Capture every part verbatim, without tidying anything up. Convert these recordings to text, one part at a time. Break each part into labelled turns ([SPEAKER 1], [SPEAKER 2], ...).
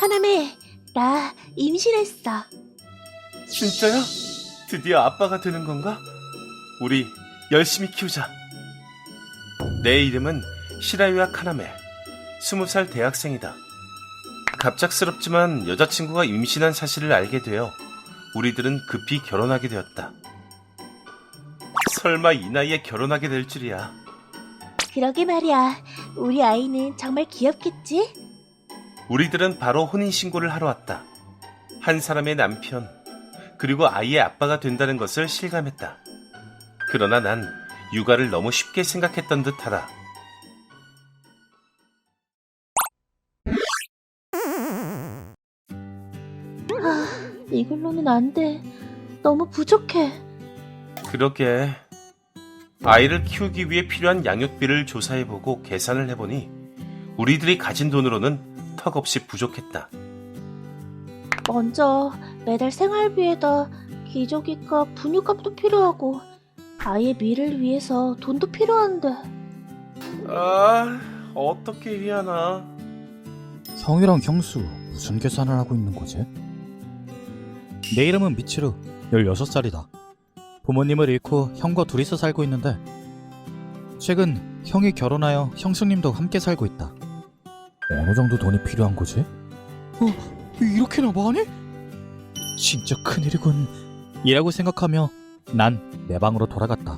[SPEAKER 1] 카나메, 나 임신했어.
[SPEAKER 2] 진짜야? 드디어 아빠가 되는 건가? 우리 열심히 키우자. 내 이름은 시라유야 카나메. 스무 살 대학생이다. 갑작스럽지만 여자친구가 임신한 사실을 알게 되어 우리들은 급히 결혼하게 되었다. 설마 이 나이에 결혼하게 될 줄이야.
[SPEAKER 1] 그러게 말이야. 우리 아이는 정말 귀엽겠지?
[SPEAKER 2] 우리들은 바로 혼인신고를 하러 왔다. 한 사람의 남편, 그리고 아이의 아빠가 된다는 것을 실감했다. 그러나 난 육아를 너무 쉽게 생각했던 듯하다.
[SPEAKER 1] 아, 이걸로는 안 돼. 너무 부족해.
[SPEAKER 2] 그러게. 아이를 키우기 위해 필요한 양육비를 조사해보고 계산을 해보니 우리들이 가진 돈으로는 턱없이 부족했다.
[SPEAKER 1] 먼저 매달 생활비에다 기저귀값, 분유값도 필요하고 아이의 미래를 위해서 돈도 필요한데.
[SPEAKER 2] 아, 어떻게 해야 하나.
[SPEAKER 3] 형이랑 형수 무슨 계산을 하고 있는 거지? 내 이름은 미치루, 열여섯 살이다. 부모님을 잃고 형과 둘이서 살고 있는데 최근 형이 결혼하여 형수님도 함께 살고 있다. 어느 정도 돈이 필요한 거지? 어? 이렇게나 많이? 진짜 큰일이군 이라고 생각하며 난 내 방으로 돌아갔다.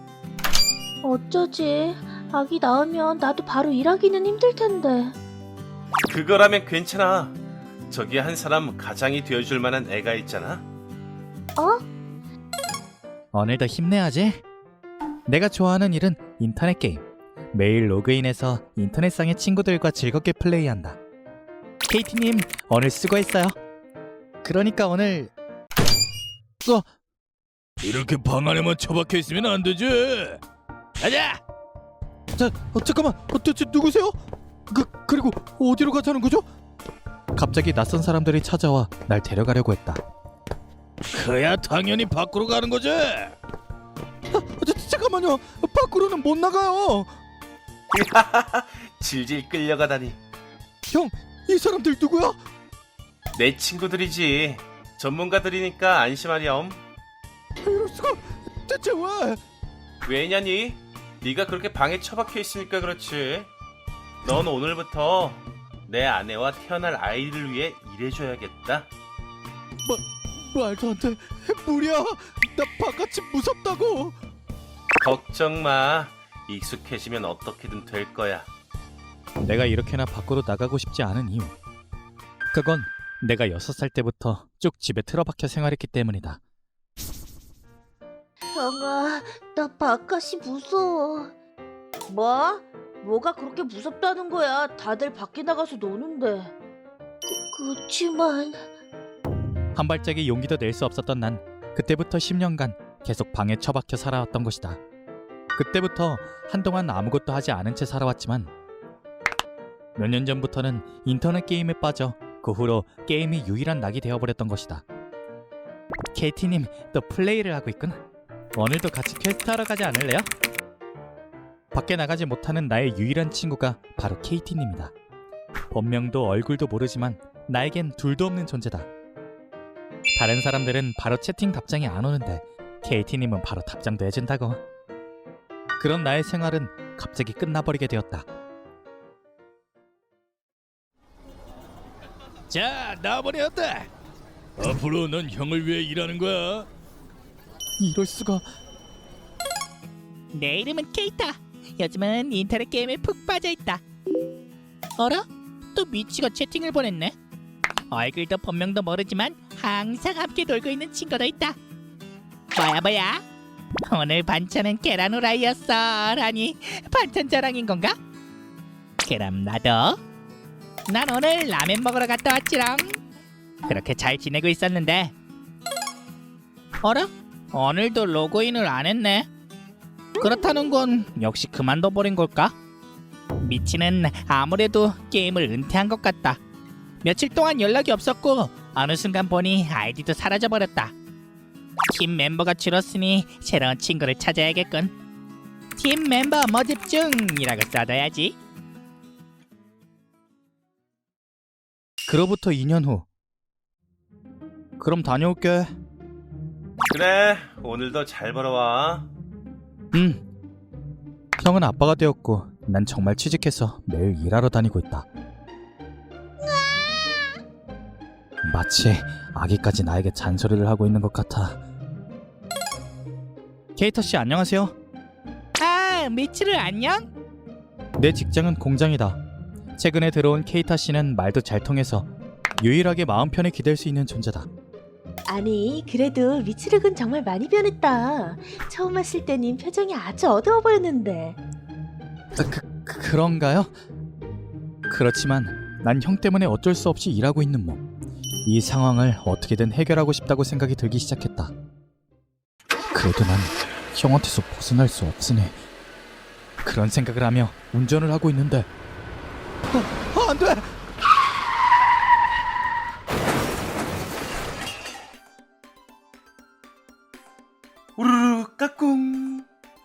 [SPEAKER 1] 어쩌지? 아기 낳으면 나도 바로 일하기는 힘들 텐데.
[SPEAKER 2] 그거라면 괜찮아. 저기 한 사람 가장이 되어줄 만한 애가 있잖아.
[SPEAKER 1] 어?
[SPEAKER 3] 오늘도 힘내야지. 내가 좋아하는 일은 인터넷 게임. 매일 로그인해서 인터넷상의 친구들과 즐겁게 플레이한다. 케이티님 오늘 수고했어요. 그러니까 오늘 어?
[SPEAKER 4] 이렇게 방 안에만 처박혀 있으면 안 되지. 가자.
[SPEAKER 3] 자, 어, 잠깐만. 어, 대체 누구세요? 그, 그리고 어디로 가자는 거죠? 갑자기 낯선 사람들이 찾아와 날 데려가려고 했다.
[SPEAKER 4] 그야 당연히 밖으로 가는 거지.
[SPEAKER 3] 아, 자, 잠깐만요. 밖으로는 못 나가요.
[SPEAKER 2] 질질 끌려가다니.
[SPEAKER 3] 형, 이 사람들 누구야?
[SPEAKER 2] 내 친구들이지. 전문가들이니까 안심하렴.
[SPEAKER 3] 이럴 수가. 대체 왜?
[SPEAKER 2] 왜냐니? 네가 그렇게 방에 처박혀 있으니까 그렇지. 넌 오늘부터 내 아내와 태어날 아이를 위해 일해줘야겠다.
[SPEAKER 3] 말도 안 돼. 무리야. 나 바깥이 무섭다고.
[SPEAKER 2] 걱정 마. 익숙해지면 어떻게든 될 거야.
[SPEAKER 3] 내가 이렇게나 밖으로 나가고 싶지 않은 이유. 그건 내가 여섯 살 때부터 쭉 집에 틀어박혀 생활했기 때문이다.
[SPEAKER 1] 형아, 나 바깥이 무서워. 뭐? 뭐가 그렇게 무섭다는 거야? 다들 밖에 나가서 노는데. 그, 그치만...
[SPEAKER 3] 한 발짝의 용기도 낼 수 없었던 난 그때부터 십 년간 계속 방에 처박혀 살아왔던 것이다. 그때부터 한동안 아무것도 하지 않은 채 살아왔지만 몇 년 전부터는 인터넷 게임에 빠져 그 후로 게임이 유일한 낙이 되어버렸던 것이다. 케이티님 또 플레이를 하고 있군. 오늘도 같이 퀘스트하러 가지 않을래요? 밖에 나가지 못하는 나의 유일한 친구가 바로 케이티님이다. 본명도 얼굴도 모르지만 나에겐 둘도 없는 존재다. 다른 사람들은 바로 채팅 답장이 안 오는데 케이티님은 바로 답장도 해준다고. 그런 나의 생활은 갑자기 끝나버리게 되었다.
[SPEAKER 4] 자, 나와버렸다. 앞으로 넌 형을 위해 일하는 거야.
[SPEAKER 3] 이럴 수가.
[SPEAKER 5] 내 이름은 케이타. 요즘은 인터넷 게임에 푹 빠져있다. 어라? 또 미치가 채팅을 보냈네. 얼굴도 본명도 모르지만 항상 함께 놀고 있는 친구도 있다. 뭐야 뭐야? 오늘 반찬은 계란 후라이였어 라니 반찬 자랑인 건가? 그럼 나도. 난 오늘 라면 먹으러 갔다 왔지롱. 그렇게 잘 지내고 있었는데 어라? 오늘도 로그인을 안 했네. 그렇다는 건 역시 그만둬버린 걸까? 미치는 아무래도 게임을 은퇴한 것 같다. 며칠 동안 연락이 없었고 어느 순간 보니 아이디도 사라져버렸다. 팀 멤버가 줄었으니 새로운 친구를 찾아야겠군. 팀 멤버 모집 중이라고 써둬야지.
[SPEAKER 3] 그로부터 이 년 후. 그럼 다녀올게.
[SPEAKER 2] 그래, 오늘도 잘 벌어와.
[SPEAKER 3] 응. 형은 아빠가 되었고 난 정말 취직해서 매일 일하러 다니고 있다. 마치 아기까지 나에게 잔소리를 하고 있는 것 같아. 케이타 씨 안녕하세요.
[SPEAKER 5] 아, 미치루 안녕?
[SPEAKER 3] 내 직장은 공장이다. 최근에 들어온 케이타 씨는 말도 잘 통해서 유일하게 마음 편히 기댈 수 있는 존재다.
[SPEAKER 1] 아니, 그래도 미츠룩은 정말 많이 변했다. 처음 왔을 때는 표정이 아주 어두워 보였는데.
[SPEAKER 3] 그, 그, 그런가요? 그렇지만 난 형 때문에 어쩔 수 없이 일하고 있는 몸. 이 상황을 어떻게든 해결하고 싶다고 생각이 들기 시작했다. 그래도 난 형한테서 벗어날 수 없으니 그런 생각을 하며 운전을 하고 있는데 어, 어, 안 돼!
[SPEAKER 2] 우르르 까꿍.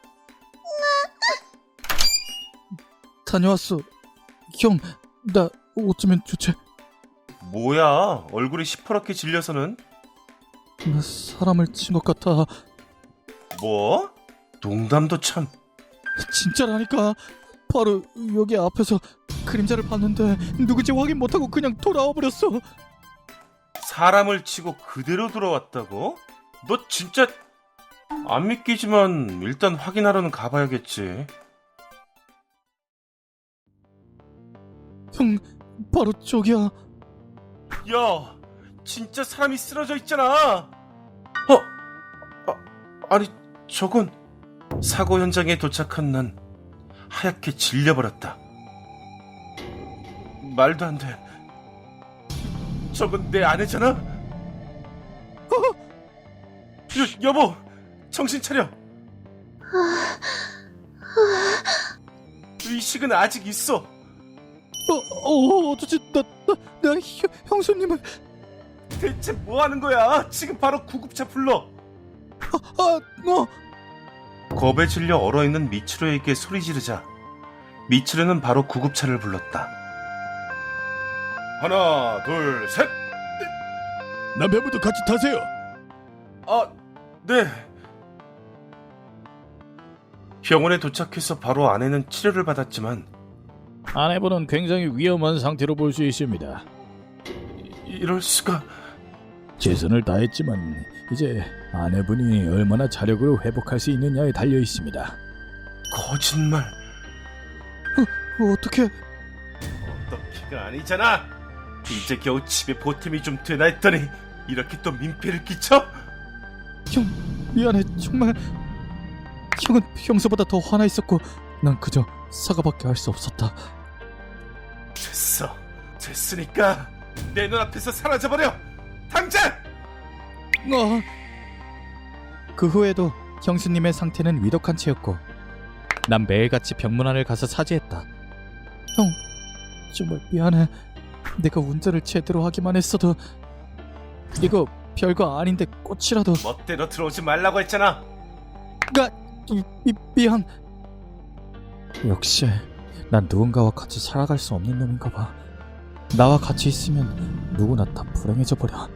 [SPEAKER 3] 다녀왔어. 형, 나 어쩌면 좋지?
[SPEAKER 2] 뭐야, 얼굴이 시퍼렇게 질려서는?
[SPEAKER 3] 나 사람을 친 것 같아.
[SPEAKER 2] 뭐? 농담도 참.
[SPEAKER 3] 진짜라니까. 바로 여기 앞에서 그림자를 봤는데 누구지 확인 못하고 그냥 돌아와 버렸어.
[SPEAKER 2] 사람을 치고 그대로 돌아왔다고? 너 진짜 안 믿기지만 일단 확인하러는 가봐야겠지.
[SPEAKER 3] 형, 바로 저기야.
[SPEAKER 2] 야, 진짜 사람이 쓰러져 있잖아. 어? 아, 아니, 저건 사고 현장에 도착한 난 하얗게 질려버렸다. 말도 안 돼. 저건 내 아내잖아? 어? 여, 여보, 정신 차려. 의식은 아직 있어.
[SPEAKER 3] 어, 어, 어쩌지? 나, 나, 나 형, 형수님을.
[SPEAKER 2] 대체 뭐 하는 거야? 지금 바로 구급차 불러.
[SPEAKER 3] 아, 아, 너.
[SPEAKER 2] 겁에 질려 얼어있는 미츠루에게 소리 지르자 미츠루는 바로 구급차를 불렀다. 하나, 둘, 셋.
[SPEAKER 4] 남편분도 같이 타세요.
[SPEAKER 2] 아, 네. 병원에 도착해서 바로 아내는 치료를 받았지만
[SPEAKER 4] 아내분은 굉장히 위험한 상태로 볼 수 있습니다.
[SPEAKER 2] 이럴 수가.
[SPEAKER 4] 최선을 다했지만 이제 아내분이 얼마나 자력으로 회복할 수 있느냐에 달려 있습니다.
[SPEAKER 2] 거짓말.
[SPEAKER 3] 어, 어떻게?
[SPEAKER 2] 어떻게가 아니잖아. 이제 겨우 집에 보탬이 좀 되나 했더니 이렇게 또 민폐를 끼쳐?
[SPEAKER 3] 형, 미안해. 정말. 형은 평소보다 더 화나 있었고 난 그저 사과밖에 할 수 없었다.
[SPEAKER 2] 됐어. 됐으니까 내 눈앞에서 사라져버려. 당장!
[SPEAKER 3] 어. 그 후에도 형수님의 상태는 위독한 채였고 난 매일같이 병문안을 가서 사죄했다. 형, 정말 미안해. 내가 운전을 제대로 하기만 했어도. 이거 별거 아닌데 꽃이라도.
[SPEAKER 2] 멋대로 들어오지 말라고 했잖아.
[SPEAKER 3] 가, 미, 미, 미안. 역시 난 누군가와 같이 살아갈 수 없는 놈인가 봐. 나와 같이 있으면 누구나 다 불행해져 버려.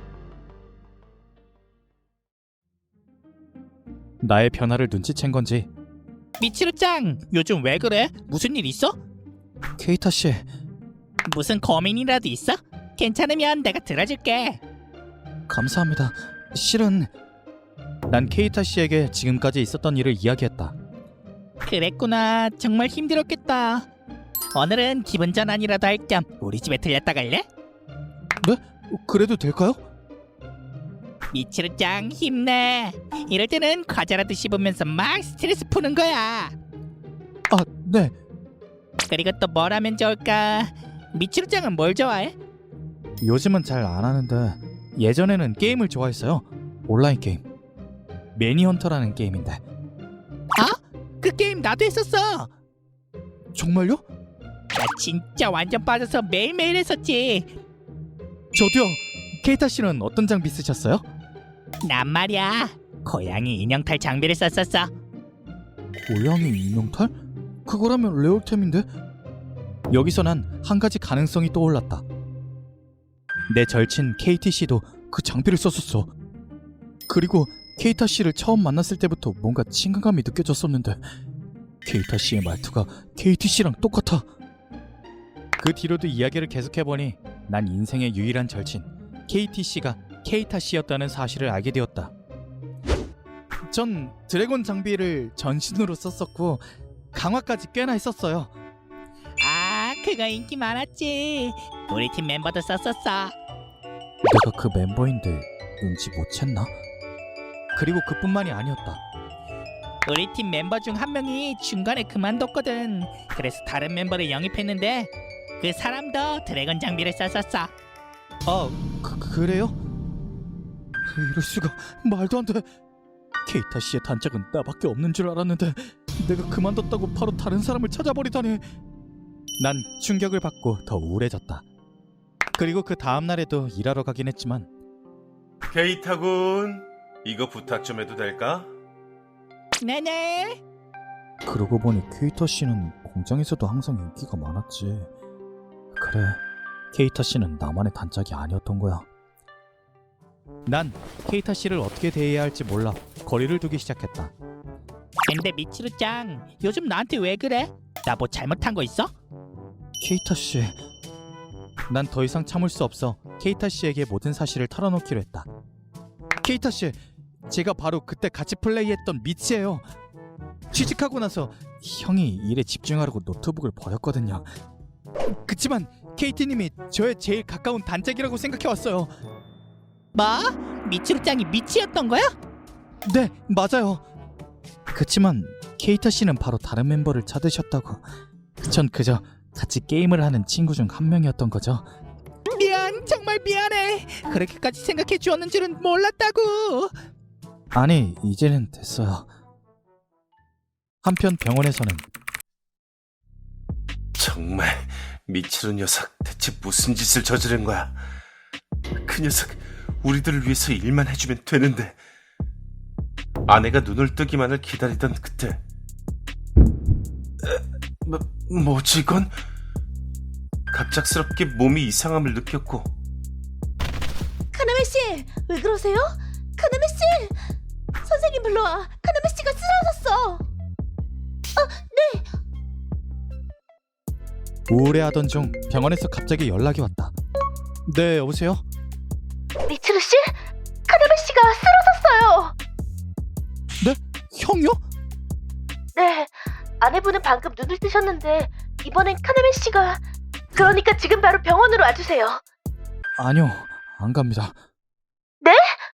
[SPEAKER 3] 나의 변화를 눈치챈 건지
[SPEAKER 5] 미치루짱, 요즘 왜 그래? 무슨 일 있어?
[SPEAKER 3] 케이타 씨,
[SPEAKER 5] 무슨 고민이라도 있어? 괜찮으면 내가 들어줄게.
[SPEAKER 3] 감사합니다. 실은 난 케이타 씨에게 지금까지 있었던 일을 이야기했다.
[SPEAKER 5] 그랬구나. 정말 힘들었겠다. 오늘은 기분 전환이라도 할 겸 우리 집에 들렸다 갈래?
[SPEAKER 3] 네? 그래도 될까요?
[SPEAKER 5] 미치루짱 힘내. 이럴 때는 과자라도 씹으면서 막 스트레스 푸는 거야.
[SPEAKER 3] 아, 네.
[SPEAKER 5] 그리고 또 뭘 하면 좋을까? 미치루짱은 뭘 좋아해?
[SPEAKER 3] 요즘은 잘 안 하는데 예전에는 게임을 좋아했어요. 온라인 게임. 매니헌터라는 게임인데.
[SPEAKER 5] 그 게임 나도 했었어.
[SPEAKER 3] 정말요?
[SPEAKER 5] 나 진짜 완전 빠져서 매일매일 했었지.
[SPEAKER 3] 저도요. 케이타 씨는 어떤 장비 쓰셨어요?
[SPEAKER 5] 난 말이야, 고양이 인형탈 장비를 썼었어.
[SPEAKER 3] 고양이 인형탈? 그거라면 레어템인데? 여기서 난 한 가지 가능성이 떠올랐다. 내 절친 케이티 씨도 그 장비를 썼었어. 그리고 케이타 씨를 처음 만났을 때부터 뭔가 친근감이 느껴졌었는데 케이타 씨의 말투가 케이티 씨랑 똑같아. 그 뒤로도 이야기를 계속해보니 난 인생의 유일한 절친 케이티 씨가 케이타 씨였다는 사실을 알게 되었다. 전 드래곤 장비를 전신으로 썼었고 강화까지 꽤나 했었어요.
[SPEAKER 5] 아, 그거 인기 많았지. 우리 팀 멤버도 썼었어.
[SPEAKER 3] 내가 그 멤버인데 눈치 못 챘나? 그리고 그뿐만이 아니었다.
[SPEAKER 5] 우리 팀 멤버 중 한 명이 중간에 그만뒀거든. 그래서 다른 멤버를 영입했는데 그 사람도 드래곤 장비를 썼었어.
[SPEAKER 3] 아, 그, 그래요? 이럴 수가, 말도 안 돼. 케이타 씨의 단짝은 나밖에 없는 줄 알았는데 내가 그만뒀다고 바로 다른 사람을 찾아버리다니. 난 충격을 받고 더 우울해졌다. 그리고 그 다음 날에도 일하러 가긴 했지만
[SPEAKER 2] 케이타군, 이거 부탁 좀 해도 될까?
[SPEAKER 5] 네네.
[SPEAKER 3] 그러고 보니 케이타 씨는 공장에서도 항상 인기가 많았지. 그래, 케이타 씨는 나만의 단짝이 아니었던 거야. 난 케이타 씨를 어떻게 대해야 할지 몰라 거리를 두기 시작했다.
[SPEAKER 5] 근데 미치루짱, 요즘 나한테 왜 그래? 나 뭐 잘못한 거 있어?
[SPEAKER 3] 케이타 씨, 난 더 이상 참을 수 없어 케이타 씨에게 모든 사실을 털어놓기로 했다. 케이타 씨, 제가 바로 그때 같이 플레이했던 미치예요. 취직하고 나서 형이 일에 집중하려고 노트북을 버렸거든요. 그치만 케이티님이 저의 제일 가까운 단짝이라고 생각해왔어요.
[SPEAKER 5] 뭐? 미치루짱이 미치였던 거야?
[SPEAKER 3] 네, 맞아요. 그치만 케이타 씨는 바로 다른 멤버를 찾으셨다고. 전 그저 같이 게임을 하는 친구 중 한 명이었던 거죠.
[SPEAKER 5] 미안, 정말 미안해. 그렇게까지 생각해 주었는 줄은 몰랐다고.
[SPEAKER 3] 아니, 이제는 됐어요. 한편 병원에서는
[SPEAKER 2] 정말 미치루 녀석 대체 무슨 짓을 저지른 거야? 그 녀석 우리들을 위해서 일만 해주면 되는데. 아내가 눈을 뜨기만을 기다리던 그때 에, 뭐, 뭐지 이건? 갑작스럽게 몸이 이상함을 느꼈고.
[SPEAKER 1] 카나메 씨, 왜 그러세요? 카나메 씨, 선생님 불러와. 카나메 씨가 쓰러졌어.
[SPEAKER 3] 우울해하던 중 병원에서 갑자기 연락이 왔다. 네, 여보세요?
[SPEAKER 1] 미츠루 씨, 카나메 씨가 쓰러졌어요.
[SPEAKER 3] 네? 형요?
[SPEAKER 1] 네, 아내분은 방금 눈을 뜨셨는데 이번엔 카나메 씨가. 그러니까 지금 바로 병원으로 와주세요.
[SPEAKER 3] 아니요, 안 갑니다.
[SPEAKER 1] 네?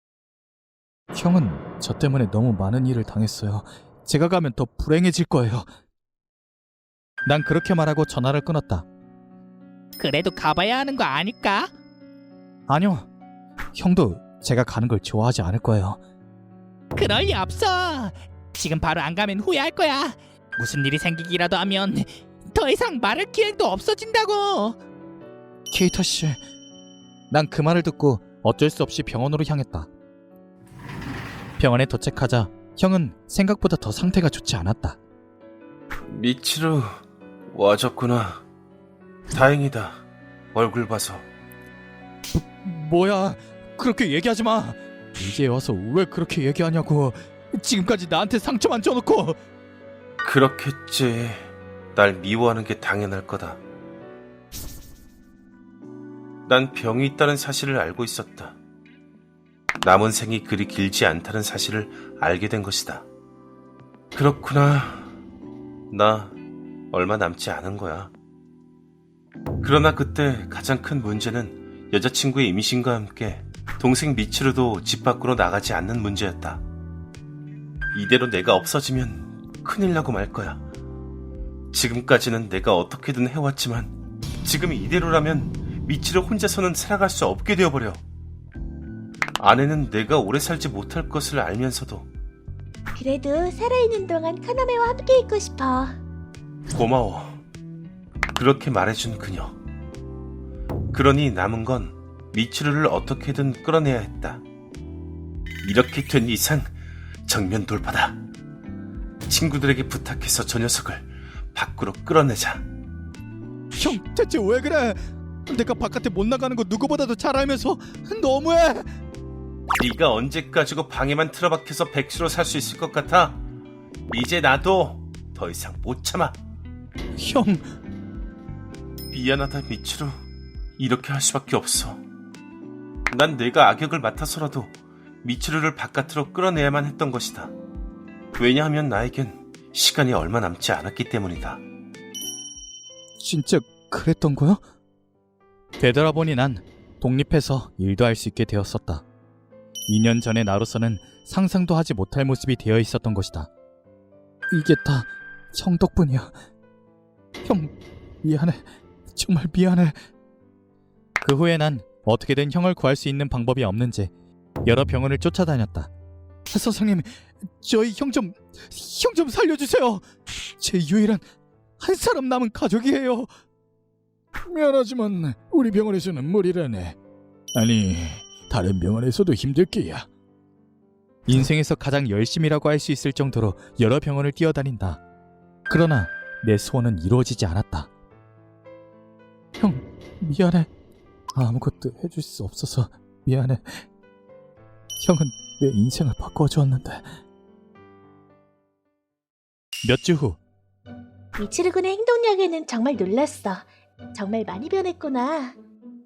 [SPEAKER 3] 형은 저 때문에 너무 많은 일을 당했어요. 제가 가면 더 불행해질 거예요. 난 그렇게 말하고 전화를 끊었다.
[SPEAKER 5] 그래도 가봐야 하는 거 아닐까?
[SPEAKER 3] 아니요, 형도 제가 가는 걸 좋아하지 않을 거예요.
[SPEAKER 5] 그럴 리 없어. 지금 바로 안 가면 후회할 거야. 무슨 일이 생기기라도 하면 더 이상 말할 기회도 없어진다고.
[SPEAKER 3] 케이타 씨, 난 그 말을 듣고 어쩔 수 없이 병원으로 향했다. 병원에 도착하자 형은 생각보다 더 상태가 좋지 않았다.
[SPEAKER 2] 미치루 와줬구나. 다행이다. 얼굴 봐서.
[SPEAKER 3] 뭐야, 그렇게 얘기하지 마. 이제 와서 왜 그렇게 얘기하냐고. 지금까지 나한테 상처만 줘놓고.
[SPEAKER 2] 그렇겠지. 날 미워하는 게 당연할 거다. 난 병이 있다는 사실을 알고 있었다. 남은 생이 그리 길지 않다는 사실을 알게 된 것이다. 그렇구나. 나 얼마 남지 않은 거야. 그러나 그때 가장 큰 문제는 여자친구의 임신과 함께 동생 미치루도 집 밖으로 나가지 않는 문제였다. 이대로 내가 없어지면 큰일 나고 말 거야. 지금까지는 내가 어떻게든 해왔지만 지금 이대로라면 미치루 혼자서는 살아갈 수 없게 되어버려. 아내는 내가 오래 살지 못할 것을 알면서도.
[SPEAKER 1] 그래도 살아있는 동안 카나메와 함께 있고 싶어.
[SPEAKER 2] 고마워. 그렇게 말해준 그녀. 그러니 남은 건 미치루를 어떻게든 끌어내야 했다. 이렇게 된 이상 정면 돌파다. 친구들에게 부탁해서 저 녀석을 밖으로 끌어내자.
[SPEAKER 3] 형, 대체 왜 그래? 내가 바깥에 못 나가는 거 누구보다도 잘 알면서 너무해.
[SPEAKER 2] 네가 언제까지고 방에만 틀어박혀서 백수로 살 수 있을 것 같아? 이제 나도 더 이상 못 참아.
[SPEAKER 3] 형,
[SPEAKER 2] 미안하다 미치루. 이렇게 할 수밖에 없어. 난 내가 악역을 맡아서라도 미치루를 바깥으로 끌어내야만 했던 것이다. 왜냐하면 나에겐 시간이 얼마 남지 않았기 때문이다.
[SPEAKER 3] 진짜 그랬던 거야? 되돌아보니 난 독립해서 일도 할 수 있게 되었었다. 이 년 전의 나로서는 상상도 하지 못할 모습이 되어 있었던 것이다. 이게 다 형 덕분이야. 형, 미안해. 정말 미안해. 그 후에 난 어떻게든 형을 구할 수 있는 방법이 없는지 여러 병원을 쫓아다녔다. 선생님, 저희 형 좀, 형 좀 살려주세요. 제 유일한 한 사람 남은 가족이에요.
[SPEAKER 4] 미안하지만 우리 병원에서는 무리라네. 아니, 다른 병원에서도 힘들 게야.
[SPEAKER 3] 인생에서 가장 열심이라고 할 수 있을 정도로 여러 병원을 뛰어다닌다. 그러나 내 소원은 이루어지지 않았다. 형, 미안해. 아무것도 해줄 수 없어서 미안해. 형은 내 인생을 바꿔주었는데. 몇 주 후,
[SPEAKER 1] 미치루 군의 행동력에는 정말 놀랐어. 정말 많이 변했구나.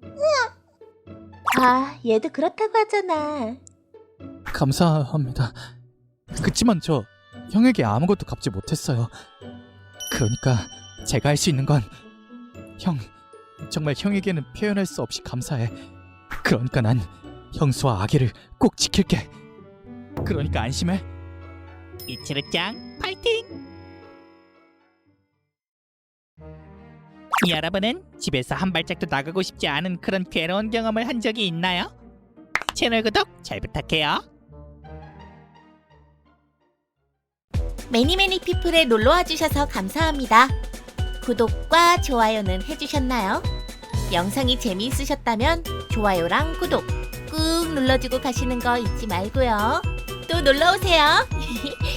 [SPEAKER 1] 아, 얘도 그렇다고 하잖아.
[SPEAKER 3] 감사합니다. 그치만 저 형에게 아무것도 갚지 못했어요. 그러니까 제가 할 수 있는 건 형, 정말 형에게는 표현할 수 없이 감사해. 그러니까 난 형수와 아기를 꼭 지킬게. 그러니까 안심해.
[SPEAKER 5] 미치루짱 파이팅! 여러분은 집에서 한 발짝도 나가고 싶지 않은 그런 괴로운 경험을 한 적이 있나요? 채널 구독 잘 부탁해요.
[SPEAKER 6] 매니매니 피플에 놀러와 주셔서 감사합니다. 구독과 좋아요는 해주셨나요? 영상이 재미있으셨다면 좋아요랑 구독 꾹 눌러주고 가시는 거 잊지 말고요. 또 놀러오세요.